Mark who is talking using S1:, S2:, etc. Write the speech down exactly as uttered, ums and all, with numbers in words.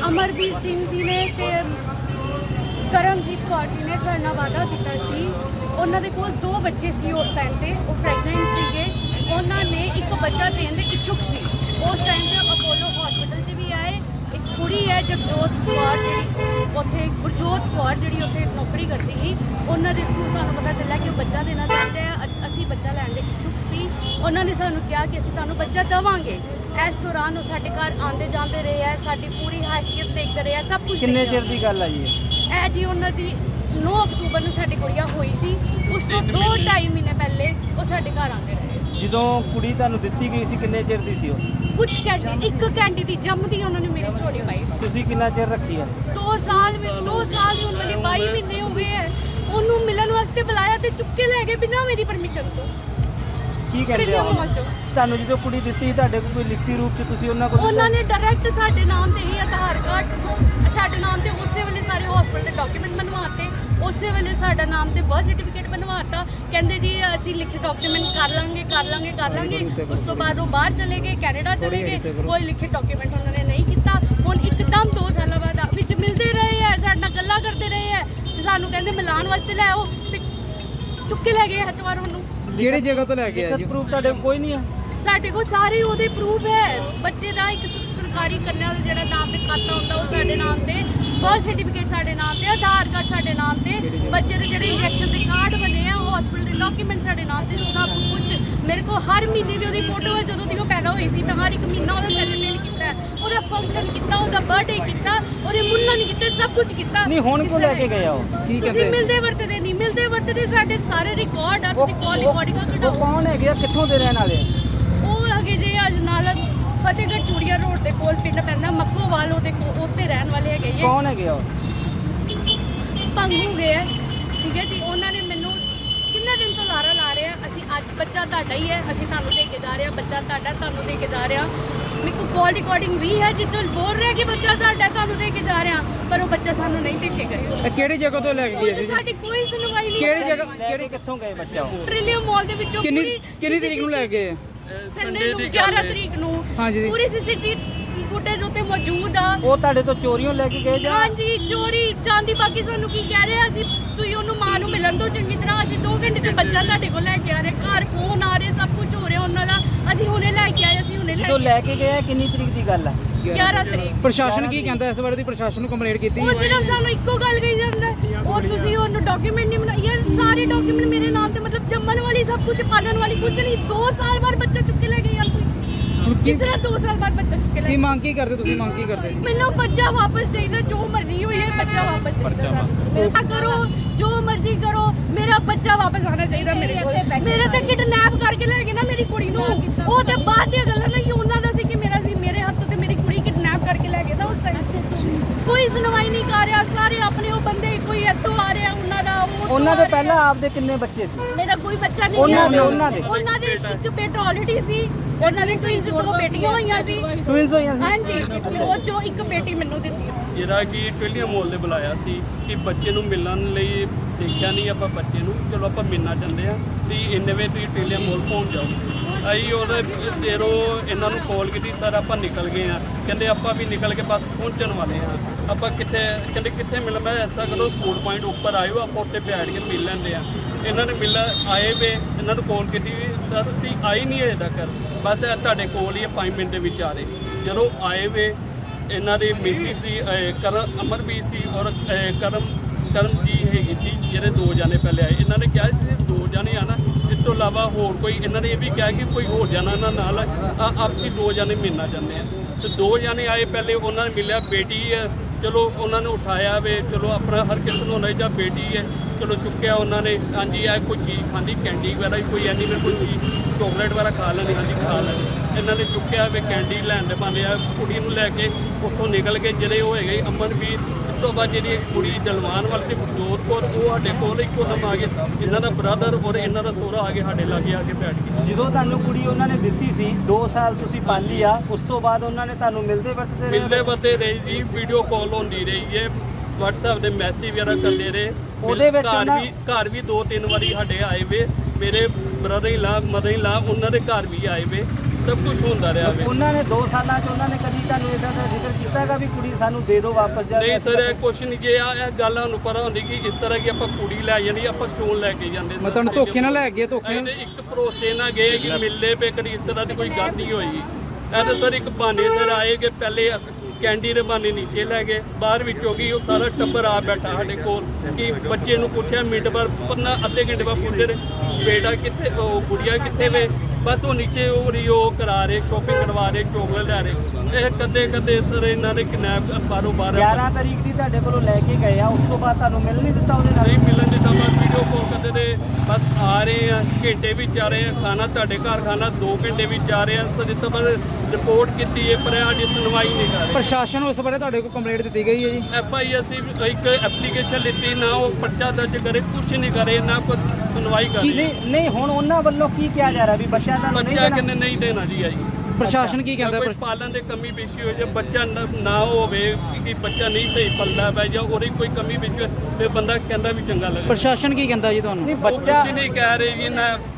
S1: ਅਮਰਵੀਰ ਸਿੰਘ ਜੀ ਨੇ ਤੇ ਕਰਮਜੀਤ ਕੌਰ ਜੀ ਨੇ ਸਾਡੇ ਨਾਲ ਵਾਅਦਾ ਕੀਤਾ ਸੀ। ਉਹਨਾਂ ਦੇ ਕੋਲ ਦੋ ਬੱਚੇ ਸੀ ਉਸ ਟਾਈਮ ਤੇ, ਉਹ ਪ੍ਰੈਗਨੈਂਟ ਸੀਗੇ। ਉਹਨਾਂ ਨੇ ਇੱਕ ਬੱਚਾ ਦੇਣ ਦੇ ਇੱਛੁਕ ਸੀ। ਉਸ ਟਾਈਮ ਤੇ ਅਪੋਲੋ ਹਸਪੀਟਲ 'ਚ ਵੀ ਆਏ। ਇੱਕ ਕੁੜੀ ਹੈ ਜਗਜੋਤ ਕੌਰ, ਜਿਹੜੀ ਉੱਥੇ ਗੁਰਜੋਤ ਕੌਰ ਜਿਹੜੀ ਉੱਥੇ ਨੌਕਰੀ ਕਰਦੀ ਸੀ, ਉਹਨਾਂ ਦੇ ਥਰੂ ਸਾਨੂੰ ਪਤਾ ਚੱਲਿਆ ਕਿ ਉਹ ਬੱਚਾ ਦੇਣਾ ਚਾਹੁੰਦੇ ਆ। ਅ- ਅਸੀਂ ਬੱਚਾ ਲੈਣ ਦੇ ਇੱਛੁਕ ਸੀ। ਉਹਨਾਂ ਨੇ ਸਾਨੂੰ ਕਿਹਾ ਕਿ ਅਸੀਂ ਤੁਹਾਨੂੰ ਬੱਚਾ ਦੇਵਾਂਗੇ। ਇਸ ਦੌਰਾਨ ਉਹ ਸਾਡੇ ਘਰ ਆਉਂਦੇ ਜਾਂਦੇ ਰਹੇ ਹੈ, ਸਾਡੀ ਪੂਰੀ ਹੈਸੀਅਤ ਦੇਖਦੇ ਰਹੇ ਹੈ, ਸਭ ਕੁਝ।
S2: ਕਿੰਨੇ ਚਿਰ ਦੀ ਗੱਲ ਆ ਜੀ
S1: ਇਹ ਜੀ ਉਹਨਾਂ ਦੀ ਨੌ ਅਕਤੂਬਰ ਨੂੰ ਸਾਡੀ ਗੁੜੀਆ ਹੋਈ ਸੀ। ਉਸ ਤੋਂ ਦੋ ਢਾਈ ਮਹੀਨੇ ਪਹਿਲੇ ਉਹ ਸਾਡੇ ਘਰ ਆਉਂਦੇ ਰਹੇ।
S2: ਜਦੋਂ ਕੁੜੀ ਤੁਹਾਨੂੰ ਦਿੱਤੀ ਗਈ ਸੀ ਕਿੰਨੇ ਚਿਰ ਦੀ ਸੀ ਉਹ?
S1: ਕੁਝ ਘੰਟੇ, ਇੱਕ ਘੰਟੇ ਦੀ ਜੰਮਦੀ ਉਹਨਾਂ ਨੇ ਮੇਰੀ ਝੋਲੀ ਪਾਈ ਸੀ।
S2: ਤੁਸੀਂ ਕਿੰਨਾ ਚਿਰ ਰੱਖੀ ਆ?
S1: ਦੋ ਸਾਲ ਵਿੱਚ ਦੋ ਸਾਲ ਦੀ ਉਮਰ ਦੇ ਬਾਈ ਮਹੀਨੇ ਹੋ ਗਏ ਹੈ। ਉਹਨੂੰ ਮਿਲਣ ਵਾਸਤੇ ਬੁਲਾਇਆ ਤੇ ਚੁੱਕ ਕੇ ਲੈ ਗਏ ਬਿਨਾਂ ਮੇਰੀ ਪਰਮਿਸ਼ਨ ਤੋਂ।
S2: ਕੀ ਕਹਿੰਦੇ ਆ ਹੁਣ? ਤੁਹਾਨੂੰ ਜਦੋਂ ਕੁੜੀ ਦਿੱਤੀ ਤੁਹਾਡੇ ਕੋਲ ਕੋਈ ਲਿਖਤੀ ਰੂਪ 'ਚ ਤੁਸੀਂ ਉਹਨਾਂ ਕੋਲ?
S1: ਉਹਨਾਂ ਨੇ ਡਾਇਰੈਕਟ ਸਾਡੇ ਨਾਮ ਤੇ ਹੀ ਆਧਾਰ ਕਾਰਡ ਸਾਡੇ ਨਾਮ ਤੇ ਉਸੇ ਵੇਲੇ ਸਾਰੇ ਹਸਪੀਟਲ ਦੇ ਡਾਕੂਮੈਂਟ ਬਣਵਾਤੇ। ਉਸੇ ਵੇਲੇ ਸਾਡਾ ਨਾਮ ਤੇ ਬਰਥ ਸਰਟੀਫਿਕੇਟ ਬਣਵਾਤਾ। ਕਹਿੰਦੇ ਜੀ ਅਸੀਂ ਲਿਖੇ ਡਾਕੂਮੈਂਟ ਕਰ ਲਾਂਗੇ ਕਰ ਲਾਂਗੇ ਕਰ ਲਾਂਗੇ। ਉਸ ਤੋਂ ਬਾਅਦ ਉਹ ਬਾਹਰ ਚਲੇ ਗਏ, ਕੈਨੇਡਾ ਚਲੇ ਗਏ। ਕੋਈ ਲਿਖੇ ਡਾਕੂਮੈਂਟ ਉਹਨਾਂ ਨੇ ਨਹੀਂ ਕੀਤਾ। ਹੁਣ ਇੱਕਦਮ ਦੋ ਸਾਲਾਂ ਬਾਅਦ ਵਿੱਚ ਮਿਲਦੇ ਰਹੇ ਹੈ, ਸਾਡੇ ਨਾਲ ਗੱਲਾਂ ਕਰਦੇ ਰਹੇ ਹੈ ਤੇ ਸਾਨੂੰ ਕਹਿੰਦੇ ਮਿਲਾਉਣ ਵਾਸਤੇ ਲੈ ਆਓ ਤੇ ਚੁੱਕ ਕੇ ਲੈ ਗਏ ਐਤਵਾਰ ਉਹਨੂੰ।
S2: ਕਿਹੜੀ ਜਗ੍ਹਾ ਤੋਂ ਲੈ ਕੇ ਆਏ ਜੀ? ਪ੍ਰੂਫ ਤੁਹਾਡੇ ਕੋਲ ਕੋਈ ਨਹੀਂ ਆ?
S1: ਸਾਡੇ ਕੋਲ ਸਾਰੇ ਉਹਦੇ ਪ੍ਰੂਫ ਹੈ। ਬੱਚੇ ਦਾ ਇੱਕ ਸਰਕਾਰੀ ਕੰਨਿਆ ਦਾ ਜਿਹੜਾ ਨਾਮ ਤੇ ਖਾਤਾ ਹੁੰਦਾ ਉਹ ਸਾਡੇ ਨਾਮ ਤੇ, ਬਰਥ ਸਰਟੀਫਿਕੇਟ ਸਾਡੇ ਨਾਮ ਤੇ, ਆਧਾਰ ਕਾਰਡ ਸਾਡੇ ਨਾਮ ਤੇ, ਬੱਚੇ ਦੇ ਜਿਹੜੇ ਇੰਜੈਕਸ਼ਨ ਦੇ ਕਾਰਡ ਬਣੇ ਆ ਹਸਪੀਟਲ ਦੇ ਡਾਕੂਮੈਂਟ ਸਾਡੇ ਨਾਮ ਤੇ, ਸਭ ਕੁਝ ਮੇਰੇ ਕੋਲ। ਹਰ ਮਹੀਨੇ ਦੀ ਉਹਦੀ ਫੋਟੋ ਹੈ ਜਦੋਂ ਦੀ ਉਹ ਪੈਦਾ ਹੋਈ ਸੀ। ਮੈਂ ਹਰ ਇੱਕ ਮਹੀਨਾ ਉਹਦਾ ਸੈਲੀਬ੍ਰੇਟ ਕੀਤਾ, ਉਹਦਾ ਫੰਕਸ਼ਨ ਕੀਤਾ, ਉਹਦਾ ਬਰਥਡੇ ਕੀਤਾ, ਉਹਦੇ ਮੁੰਨਨ ਕੀਤੇ, ਸਭ ਕੁਝ ਕੀਤਾ।
S2: ਨਹੀਂ ਹੁਣ ਕਿਉਂ ਲੈ ਕੇ ਗਏ ਆ ਉਹ? ਕੀ
S1: ਤੁਸੀਂ
S2: ਕਹਿੰਦੇ?
S1: ਮਿਲਦੇ ਵਰਤਦੇ ਨਹੀਂ, ਮਿਲਦੇ ਵਰਤਦੇ ਸਾਡੇ ਸਾਰੇ ਰਿਕਾਰਡ ਆ। ਤੁਸੀਂ ਕਾਲ
S2: ਉਹ
S1: ਰਿਕਾਰਡਿੰਗ
S2: ਉਹ
S1: ਕਢਾਓ।
S2: ਕੌਣ ਹੈਗੇ ਆ, ਕਿੱਥੋਂ ਦੇ ਰਹਿਣ ਵਾਲੇ ਆ?
S1: ਉਹ ਹੈਗੇ ਜੀ ਅਜਨਾਲਾ ਫਤਿਹਗੜ੍ਹ ਚੂੜੀਆ ਰੋਡ ਦੇ ਕੋਲ ਪਿੰਡ ਪੈਂਦਾ ਮੱਕੋਵਾਲ, ਉਹਦੇ ਕੋਲ ਉੱਥੇ ਰਹਿਣ ਵਾਲੇ ਹੈਗੇ ਇਹ।
S2: ਕੌਣ ਹੈਗੇ ਆ ਉਹ?
S1: ਭੰਗੂ ਗਏ ਹੈ, ਠੀਕ ਹੈ ਜੀ। ਉਹਨਾਂ ਨੇ ਮੈਨੂੰ ਕਿੰਨੇ ਦਿਨ ਤੋਂ ਲਾਰਾ ਲਾ ਰਹੇ ਆ, ਅਸੀਂ ਅੱਜ ਬੱਚਾ ਤੁਹਾਡਾ ਹੀ ਹੈ, ਅਸੀਂ ਤੁਹਾਨੂੰ ਦੇ ਕੇ ਜਾ ਰਹੇ ਹਾਂ, ਬੱਚਾ ਤੁਹਾਡਾ ਤੁਹਾਨੂੰ ਦੇ ਕੇ ਜਾ ਰਹੇ ਹਾਂ। ਮੇਰੇ ਕੋਲ ਕਾਲ ਰਿਕਾਰਡਿੰਗ ਵੀ ਹੈ ਜਿੱਥੋਂ ਬੋਲ ਰਿਹਾ ਕਿ ਬੱਚਾ ਤੁਹਾਡਾ ਤੁਹਾਨੂੰ ਦੇ ਕੇ ਜਾ ਰਹੇ ਹਾਂ, ਪਰ ਉਹ ਬੱਚਾ ਸਾਨੂੰ ਨਹੀਂ ਦੇ ਕੇ ਗਏ।
S3: ਇਹ ਕਿਹੜੀ ਜਗ੍ਹਾ ਤੋਂ ਲੈ ਕੇ ਗਏ ਸੀ ਜੀ?
S1: ਸਾਡੀ ਕੋਈ ਸੁਣਵਾਈ ਨਹੀਂ।
S3: ਕਿਹੜੀ ਜਗ੍ਹਾ?
S2: ਕਿਹੜੇ ਕਿੱਥੋਂ ਗਏ ਬੱਚਾ ਉਹ?
S1: ਟ੍ਰਿਲੀਅਮ ਮਾਲ ਦੇ ਵਿੱਚੋਂ
S3: ਕਿੰਨੀ
S1: ਪੂਰੀ
S3: ਕਿੰਨੀ ਤਰੀਕ ਨੂੰ ਲੈ ਕੇ ਗਏ?
S1: ਸੰਡੇ ਨੂੰ ਗਿਆਰਾਂ ਤਰੀਕ ਨੂੰ
S3: ਹਾਂਜੀ ਜੀ।
S1: ਪੂਰੀ ਸੀਸੀਟੀਵੀ ਫੁਟੇਜ ਉੱਤੇ ਮੌਜੂਦ ਆ।
S2: ਉਹ ਤੁਹਾਡੇ ਤੋਂ ਚੋਰੀਆਂ ਲੈ ਕੇ ਗਏ ਜਾਂ?
S1: ਹਾਂਜੀ ਚੋਰੀ ਜਾਂਦੀ। ਬਾਕੀ ਸਾਨੂੰ ਕੀ ਕਹਿ ਰਹੇ ਆ, ਅਸੀਂ ਤੁਸੀਂ ਉਹਨੂੰ ਮਾਂ ਨੂੰ ਮਿਲਣ ਦਿਓ ਚੰਗੀ ਤਰ੍ਹਾਂ, ਅਸੀਂ ਦੋ ਘੰਟੇ ਚ ਬੱਚਾ ਤੁਹਾਡੇ ਕੋਲ ਲੈ ਕੇ ਆ ਰਹੇ, ਘਰ ਫੋਨ ਆ ਰਹੇ, ਸਭ ਕੁਝ ਹੋ ਰਿਹਾ ਉਹਨਾਂ ਦਾ। ਅਸੀਂ ਹੁਣੇ ਲੈ ਕੇ ਆਏ, ਅਸੀਂ ਹੁਣੇ ਲੈ
S2: ਜਦੋਂ
S1: ਕੇ
S2: ਲੈ ਕੇ ਗਏ ਆ, ਕਿੰਨੀ ਤਰੀਕ ਦੀ ਗੱਲ ਆ?
S1: ਗਿਆਰਾਂ ਤਰੀਕ।
S3: ਪ੍ਰਸ਼ਾਸਨ ਕੀ ਕਹਿੰਦਾ ਇਸ ਬਾਰੇ? ਦੀ ਪ੍ਰਸ਼ਾਸਨ ਨੂੰ ਕੰਪਲੇਂਟ ਕੀਤੀ?
S1: ਉਹ ਸਿਰਫ ਸਾਨੂੰ ਇੱਕੋ ਗੱਲ ਕਹੀ ਜਾਂਦਾ, ਉਹ ਤੁਸੀਂ ਉਹਨੂੰ ਡਾਕੂਮੈਂਟ ਨਹੀਂ ਬਣਾਏ। ਯਾਰ ਸਾਰੇ ਡਾਕੂਮੈਂਟ ਮੇਰੇ ਨਾਮ ਤੇ, ਮਤਲਬ ਜੰਮਣ ਵਾਲੀ ਸਭ ਕੁਝ, ਪਾਲਣ ਵਾਲੀ ਕੁਝ ਨਹੀਂ। ਦੋ ਸਾਲ ਬਾਅਦ ਬੱਚਾ ਚੁੱਕ ਕੇ ਲੈ ਗਏ ਯਾਰ। ਕਿਸ ਤਰ੍ਹਾਂ ਦੋ ਸਾਲ ਬਾਅਦ ਬੱਚਾ ਚੁੱਕ ਕੇ ਲੈ
S3: ਕੀ
S1: ਗਏ?
S3: ਮੰਗ ਕੀ ਕਰਦੇ ਤੁਸੀਂ? ਮੰਗ ਕੀ ਕਰਦੇ?
S1: ਮੈਨੂੰ ਬੱਚਾ ਵਾਪਸ ਚਾਹੀਦਾ, ਜੋ ਮਰਜ਼ੀ ਹੋਈ ਹੈ ਬੱਚਾ ਵਾਪਸ ਚਾਹੀਦਾ। ਮੇਰਾ ਕਰੋ ਜੋ ਮਰਜ਼ੀ ਕਰੋ, ਮੇਰਾ ਬੱਚਾ ਵਾਪਸ ਆਣਾ ਚਾਹੀਦਾ ਮੇਰੇ ਕੋਲ। ਮੇਰੇ ਤੇ ਕਿਡਨੈਪ ਕਰਕੇ ਲੈ ਗਏ ਨਾ ਮੇਰੀ ਕੁੜੀ ਨੂੰ, ਉਹ ਤੇ ਬਾਅਦ ਦੀਆਂ ਗੱਲਾਂ ਨਹੀਂ, ਉਹਨਾਂ ਦਾ ਸੀ ਕਿ ਮੇਰਾ ਸੀ, ਮੇਰੇ ਹੱਥੋਂ ਤੇ ਮੇਰੀ ਕੁੜੀ ਕਿਡਨੈਪ ਕਰਕੇ ਲੈ ਗਏ ਨਾ ਉਸ ਟਾਈਮ। ਕੋਈ ਸੁਣਵਾਈ ਨਹੀਂ ਕਰ ਰਿਹਾ, ਸਾਰੇ ਆਪਣੇ ਉਹ ਬੰਦੇ, ਕੋਈ ਇੱਥੋਂ ਆ ਰਿਹਾ ਉਹਨਾਂ ਦਾ, ਉਹ
S2: ਉਹਨਾਂ ਦੇ ਪਹਿਲਾਂ ਆਪਦੇ ਕਿੰਨੇ ਬੱਚੇ ਸੀ?
S1: ਮੇਰਾ ਕੋਈ ਬੱਚਾ ਨਹੀਂ
S2: ਉਹਨਾਂ
S1: ਹੈ।
S2: ਦੇ ਉਹਨਾਂ ਦੇ
S1: ਉਹਨਾਂ ਦੇ ਇੱਕ ਬੇਟਾ ਆਲਰੇਡੀ ਸੀ, ਉਹਨਾਂ ਦੇ ਟਵਿੰਸ ਦੋ ਬੇਟੀਆਂ ਹੋਈਆਂ ਸੀ।
S2: ਟਵਿੰਸ ਹੋਈਆਂ ਸੀ?
S1: ਹਾਂਜੀ, ਉਹ ਚੋਂ ਇੱਕ ਬੇਟੀ ਮੈਨੂੰ ਦਿੱਤੀ।
S4: ਜਿਹੜਾ ਕਿ ਟ੍ਰਿਲੀਅਮ ਮਾਲ ਦੇ ਬੁਲਾਇਆ ਸੀ ਕਿ ਬੱਚੇ ਨੂੰ ਮਿਲਣ ਲਈ ਦੇਖਿਆ ਨਹੀਂ ਆਪਾਂ ਬੱਚੇ ਨੂੰ, ਚਲੋ ਆਪਾਂ ਮਿਲਣਾ ਚਾਹੁੰਦੇ ਆ ਤੇ ਇੰਨੇ ਵੇ ਤੁਸੀਂ ਟ੍ਰਿਲੀਅਮ ਮਾਲ ਪਹੁੰਚ ਜਾਓ। ਅਸੀਂ ਉਹਦੇ ਦੇਰੋਂ ਇਹਨਾਂ ਨੂੰ ਕਾਲ ਕੀਤੀ, ਸਰ ਆਪਾਂ ਨਿਕਲ ਗਏ ਆ। ਕਹਿੰਦੇ ਆਪਾਂ ਵੀ ਨਿਕਲ ਕੇ ਬਸ ਪਹੁੰਚਣ ਵਾਲੇ ਆ। ਆਪਾਂ ਕਿੱਥੇ? ਕਹਿੰਦੇ ਕਿੱਥੇ ਮਿਲ? ਮੈਂ ਐਸਾ ਕਰੋ ਫੂਡ ਪੁਆਇੰਟ ਉੱਪਰ ਆਇਓ, ਆਪਾਂ ਉੱਥੇ ਬੈਠ ਕੇ ਮਿਲ ਲੈਂਦੇ ਆ। ਇਹਨਾਂ ਨੇ ਮਿਲ ਆਏ ਵੇ, ਇਹਨਾਂ ਨੂੰ ਕਾਲ ਕੀਤੀ, ਸਰ ਤੁਸੀਂ ਆਈ ਨਹੀਂ ਅਜੇ ਤੱਕ, ਬਸ ਤੁਹਾਡੇ ਕੋਲ ਹੀ ਪੰਜ ਮਿੰਟ ਦੇ ਵਿੱਚ ਆ ਰਹੇ। ਜਦੋਂ ਆਏ ਵੇ, ਇਹਨਾਂ ਦੇ ਮਿਸੀ ਸੀ ਕਰਮ ਅਮਰਵੀਰ ਸੀ ਔਰ ਕਰਮ ਕਰਮ ਜੀ ਹੈਗੀ ਸੀ, ਜਿਹੜੇ ਦੋ ਜਾਣੇ ਪਹਿਲੇ ਆਏ। ਇਹਨਾਂ ਨੇ ਕਿਹਾ ਸੀ ਦੋ ਜਾਣੇ ਆਣਾ, ਇਸ ਤੋਂ ਇਲਾਵਾ ਹੋਰ ਕੋਈ, ਇਹਨਾਂ ਨੇ ਇਹ ਵੀ ਕਿਹਾ ਕਿ ਕੋਈ ਹੋਰ ਜਾਣਾ ਇਹਨਾਂ ਨਾਲ ਆਪਸੀ ਦੋ ਜਾਣੇ ਮਿਲਣਾ ਚਾਹੁੰਦੇ ਆ। ਤੇ ਦੋ ਜਾਣੇ ਆਏ ਪਹਿਲੇ, ਉਹਨਾਂ ਨੇ ਮਿਲਿਆ ਬੇਟੀ ਹੈ, ਚਲੋ ਉਹਨਾਂ ਨੇ ਉਠਾਇਆ ਵੇ, ਚਲੋ ਆਪਣਾ ਹਰ ਕਿਸੇ ਨੂੰ ਹੁੰਦਾ ਜਾਂ ਬੇਟੀ ਹੈ, ਚਲੋ ਚੁੱਕਿਆ ਉਹਨਾਂ ਨੇ। ਹਾਂਜੀ ਆ ਕੋਈ ਚੀਜ਼ ਖਾਂਦੀ, ਕੈਂਡੀ ਵਗੈਰਾ ਕੋਈ ਐਨੀਮਲ ਕੋਈ ਚੀਜ਼ ਚੋਕਲੇਟ ਵਗੈਰਾ ਖਾ ਲੈਣੀ, ਹਾਂਜੀ ਖਾ ਲੈਣੀ। ਇਹਨਾਂ ਨੇ ਚੁੱਕਿਆ ਵੇ, ਕੈਂਡੀ ਲੈਣ ਦੇ ਪਾਉਂਦੇ ਆ। ਕੁੜੀ ਨੂੰ ਲੈ ਕੇ ਉੱਥੋਂ ਨਿਕਲ ਕੇ ਜਿਹੜੇ ਉਹ ਹੈਗੇ ਅਮਨਵੀਰ, ਉਸ ਤੋਂ ਬਾਅਦ ਜਿਹੜੀ ਕੁੜੀ ਦਲਵਾਨ ਵਾਲੀ ਤੇ ਗੁਰਜੋਤ ਕੌਰ, ਉਹ ਸਾਡੇ ਕੋਲ ਇੱਕੋ ਦਮ ਆ ਗਏ। ਇਹਨਾਂ ਦਾ ਬ੍ਰਦਰ ਔਰ ਇਹਨਾਂ ਦਾ ਸਹੁਰਾ ਆ ਕੇ ਸਾਡੇ ਲਾਗੇ ਆ ਕੇ ਬੈਠ ਗਏ।
S2: ਜਦੋਂ ਤੁਹਾਨੂੰ ਕੁੜੀ ਉਹਨਾਂ ਨੇ ਦਿੱਤੀ ਸੀ, ਦੋ ਸਾਲ ਤੁਸੀਂ ਪਾਲੀ ਆ, ਉਸ ਤੋਂ ਬਾਅਦ ਉਹਨਾਂ ਨੇ ਤੁਹਾਨੂੰ ਮਿਲਦੇ ਵਰਤਦੇ ਰਹੇ?
S4: ਮਿਲਦੇ ਵਰਤੇ ਰਹੀ ਜੀ, ਵੀਡੀਓ ਕਾਲ ਹੁੰਦੀ ਰਹੀ ਹੈ, WhatsApp ਦੇ ਮੈਸੇਜ ਵਗੈਰਾ ਕਰਦੇ ਰਹੇ।
S2: ਉਹਦੇ ਵਿੱਚ
S4: ਘਰ
S2: ਉਹਨਾਂ-
S4: ਵੀ ਘਰ ਵੀ ਦੋ ਤਿੰਨ ਵਾਰੀ ਸਾਡੇ ਆਏ ਵੇ, ਮੇਰੇ brother in law mother in ਲਾ ਉਹਨਾਂ ਦੇ ਘਰ ਵੀ ਆਏ ਵੇ। ਸਭ ਕੁਝ ਹੁੰਦਾ ਰਿਹਾ ਵੇ।
S2: ਉਹਨਾਂ ਨੇ ਦੋ ਸਾਲਾਂ 'ਚ ਉਹਨਾਂ ਨੇ ਕਦੀ ਤੁਹਾਨੂੰ ਇਦਾਂ ਦਾ ਜ਼ਿਕਰ ਕੀਤਾ ਹੈਗਾ ਵੀ ਕੁੜੀ ਸਾਨੂੰ ਦੇ ਦਿਓ ਵਾਪਸ ਜਾ
S4: ਨਹੀਂ ਸਰ ਇਹ ਕੁਛ ਨਹੀਂ ਜੇ ਆ ਇਹ ਗੱਲ ਸਾਨੂੰ ਪਤਾ ਹੁੰਦੀ ਕਿ ਇਸ ਤਰ੍ਹਾਂ ਕਿ ਆਪਾਂ ਕੁੜੀ ਲੈ ਜਾਂਦੀ ਆਪਾਂ ਕਿਉਂ ਲੈ ਕੇ ਜਾਂਦੇ
S3: ਮੈਂ ਤੁਹਾਨੂੰ ਧੋਖੇ ਨਾਲ ਲੈ ਗਏ ਧੋਖੇ ਨਾਲ
S4: ਇਹਨੇ ਇੱਕ ਭਰੋਸੇ ਨਾਲ ਗਏ ਕਿ ਮਿਲਦੇ ਪਏ ਕਦੀ ਇਸ ਤਰ੍ਹਾਂ ਦੀ ਕੋਈ ਗੱਲ ਨਹੀਂ ਹੋਈ। ਇਹ ਤਾਂ ਸਰ ਇੱਕ ਬਹਾਨੇ ਸਰ ਆਏ ਕਿ ਪਹਿਲੇ ਕੈਂਡੀ ਦੇ ਬਹਾਨੇ ਨੀਚੇ ਲੈ ਗਏ ਬਾਹਰ ਵਿੱਚੋਂ ਕੀ ਉਹ ਸਾਰਾ ਟੱਬਰ ਆ ਬੈਠਾ ਸਾਡੇ ਕੋਲ ਕਿ ਬੱਚੇ ਨੂੰ ਪੁੱਛਿਆ ਮਿੰਟ ਬਾਅਦ ਪੰਨਾ ਅੱਧੇ ਘੰਟੇ ਬਾਅਦ ਪੁੱਛਦੇ ਨੇ ਬੇਟਾ ਕਿੱਥੇ ਉਹ ਗੁੜੀਆ ਕਿੱਥੇ ਵੇ ਬਸ ਉਹ ਨੀਚੇ ਉਹ ਰਹੀ ਉਹ ਕਰਾ ਰਹੇ ਸ਼ੋਪਿੰਗ ਕਰਵਾ ਰਹੇ ਚੋਕਲੇਟ ਲੈ ਰਹੇ ਇਹ ਕਦੇ ਕਦੇ ਸਰ ਇਹਨਾਂ ਨੇ ਕਿਡਨੈਪ ਬਾਰੋਂ ਬਾਹਰ
S2: ਗਿਆਰਾਂ ਤਰੀਕ ਦੀ ਤੁਹਾਡੇ ਕੋਲੋਂ ਲੈ ਕੇ ਗਏ ਆ ਉਸ ਤੋਂ ਬਾਅਦ ਤੁਹਾਨੂੰ ਮਿਲ ਨਹੀਂ ਦਿੱਤਾ ਉਹਦੇ ਨਾਲ
S4: ਨਹੀਂ ਮਿਲਣ ਦਿੱਤਾ ਬਸ ਵੀਡੀਓ ਕਾਲ ਕਰਦੇ ਨੇ ਬਸ ਆ ਰਹੇ ਆ ਘੰਟੇ ਵਿੱਚ ਆ ਰਹੇ ਆ ਖਾਣਾ ਤੁਹਾਡੇ ਘਰ ਖਾਣਾ ਦੋ ਘੰਟੇ ਵਿੱਚ ਆ ਰਹੇ ਆ ਸਰ ਜਿੱਥੇ ਪਰ ਰਿਪੋਰਟ ਕੀਤੀ ਹੈ ਪਰ ਅੱਜ ਸੁਣਵਾਈ ਨਹੀਂ ਕਰ ਰਹੇ।
S3: ਪ੍ਰਸ਼ਾਸਨ ਨੂੰ ਇਸ ਬਾਰੇ ਤੁਹਾਡੇ ਕੋਲ ਕੰਪਲੇਂਟ ਦਿੱਤੀ ਗਈ ਹੈ ਜੀ?
S4: ਐਫ ਆਈ ਅਸੀਂ ਇੱਕ ਐਪਲੀਕੇਸ਼ਨ ਲਿੱਤੀ ਨਾ ਉਹ ਪਰਚਾ ਦਰਜ ਕਰੇ ਕੁਛ ਨਹੀਂ ਕਰੇ ਨਾ ਕੁਛ ਸੁਣਵਾਈ ਕਰੇ
S2: ਨਹੀਂ ਨਹੀਂ ਹੁਣ ਉਹਨਾਂ ਵੱਲੋਂ ਕੀ ਕਿਹਾ ਜਾ ਰਿਹਾ ਵੀ ਬੱਚਿਆਂ ਦਾ ਨਹੀਂ
S4: ਬੱਚਾ
S2: ਦੇਣਾ
S4: ਕਿੰਨੇ ਨਹੀਂ ਦੇਣਾ ਜੀ ਆਈ
S3: ਪ੍ਰਸ਼ਾਸਨ ਕੀ ਕਹਿੰਦਾ
S4: ਕੋਈ ਪਾਲਣ ਦੇ ਕਮੀ ਪੇਸ਼ੀ ਹੋ ਜੇ ਬੱਚਾ ਨਾ ਨਾ ਹੋਵੇ ਕਿ ਬੱਚਾ ਨਹੀਂ ਸਹੀ ਪਲਦਾ ਪੈ ਜਾਂ ਉਹਦੀ ਕੋਈ ਕਮੀ ਪੇਸ਼ੀ ਹੋਵੇ ਤੇ ਬੰਦਾ ਕਹਿੰਦਾ ਵੀ ਚੰਗਾ ਲੱਗਦਾ
S3: ਪ੍ਰਸ਼ਾਸਨ ਕੀ ਕਹਿੰਦਾ ਜੀ ਤੁਹਾਨੂੰ?
S2: ਨਹੀਂ
S4: ਉਹ
S2: ਬੱਚਾ
S4: ਕੁਛ ਨਹੀਂ ਕਹਿ ਰਹੇ ਜੀ ਨਾ